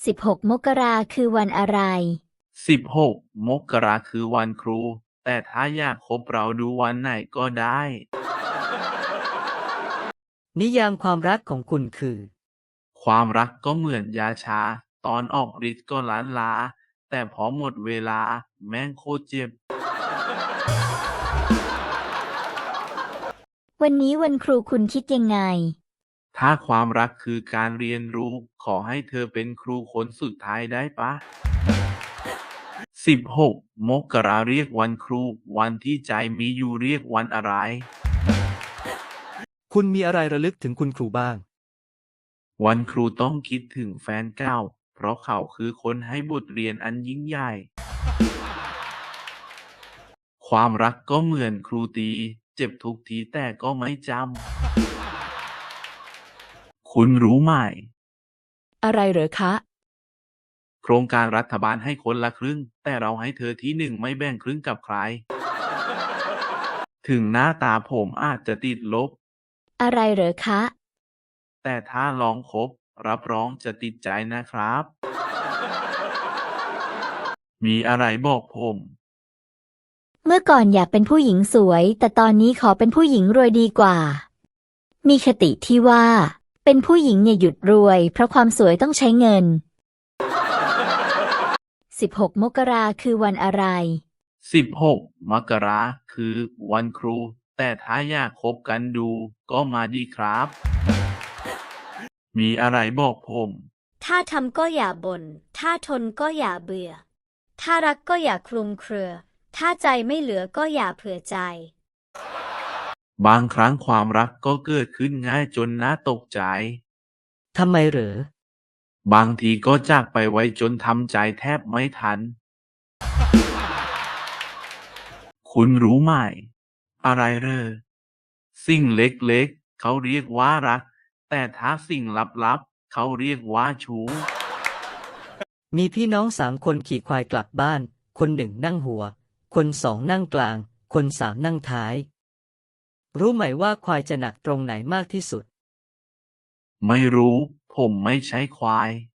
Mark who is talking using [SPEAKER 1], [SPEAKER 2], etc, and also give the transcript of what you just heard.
[SPEAKER 1] 16 มกราคือวันอะไร
[SPEAKER 2] 16 มกราคือวันครู แต่ถ้าอยากคบเราดูวันไหนก็ได้
[SPEAKER 3] นิยามความรักของคุณคือ
[SPEAKER 2] ความรักก็เหมือนยาชา ตอนออกฤทธิ์ก็ล้านลา แต่พอหมดเวลาแม่งโคตรเจ็บ
[SPEAKER 1] วันนี้วันครูคุณคิดยังไง
[SPEAKER 2] ถ้าความรักคือการเรียนรู้ ขอให้เธอเป็นครูคนสุดท้ายได้ปะ 16 มกราเรียกวันครู วันที่ใจมีอยู่เรียกวันอะไร
[SPEAKER 4] คุณมีอะไรระลึกถึงคุณครูบ้าง
[SPEAKER 2] วันครูต้องคิดถึงแฟนเก่า เพราะเขาคือคนให้บทเรียนอันยิ่งใหญ่ ความรักก็เหมือนครูตี เจ็บทุกทีแต่ก็ไม่จำ คุณรู้ไหม
[SPEAKER 5] อะไรเหรอคะ
[SPEAKER 2] โครงการรัฐบาลให้คนละครึ่ง แต่เราให้เธอที่หนึ่งไม่แบ่งครึ่งกับใคร ถึงหน้าตาผมอาจจะติดลบ
[SPEAKER 1] อะไรเหรอคะ
[SPEAKER 2] แต่ถ้าลองคบ รับรองจะติดใจนะครับ มีอะไรบอกผม
[SPEAKER 1] เมื่อก่อนอยากเป็นผู้หญิงสวย แต่ตอนนี้ขอเป็นผู้หญิงรวยดีกว่า มีคติที่ว่า เป็นผู้หญิงอย่าหยุดรวย เพราะความสวยต้องใช้เงิน 16 มกราคือวันอะไร
[SPEAKER 2] 16 มกราคือวันครู แต่ถ้าอยากคบกันดูก็มาดีครับ มีอะไรบอกผม
[SPEAKER 6] ถ้าทำก็อย่าบ่น ถ้าทนก็อย่าเบื่อ ถ้ารักก็อย่าคลุมเครือ ถ้าใจไม่เหลือก็อย่าเผื่อใจ
[SPEAKER 2] บางครั้งความรักก็เกิดขึ้นง่ายจนน่าตกใจ
[SPEAKER 3] ทำไมเหรอ
[SPEAKER 2] บางทีก็จากไปไวจนทำใจแทบไม่ทัน คุณรู้ไหม อะไรเหรอ สิ่งเล็กๆ เขาเรียกว่ารัก แต่ถ้าสิ่งลับๆ เขาเรียกว่าชู้
[SPEAKER 3] มีพี่น้อง3 คนขี่ควายกลับบ้าน คนหนึ่งนั่งหัว คน2นั่งกลาง คน3นั่งท้าย รู้ไหมว่าควายจะหนักตรงไหนมากที่สุด
[SPEAKER 2] ไม่รู้ ผมไม่ใช่ควาย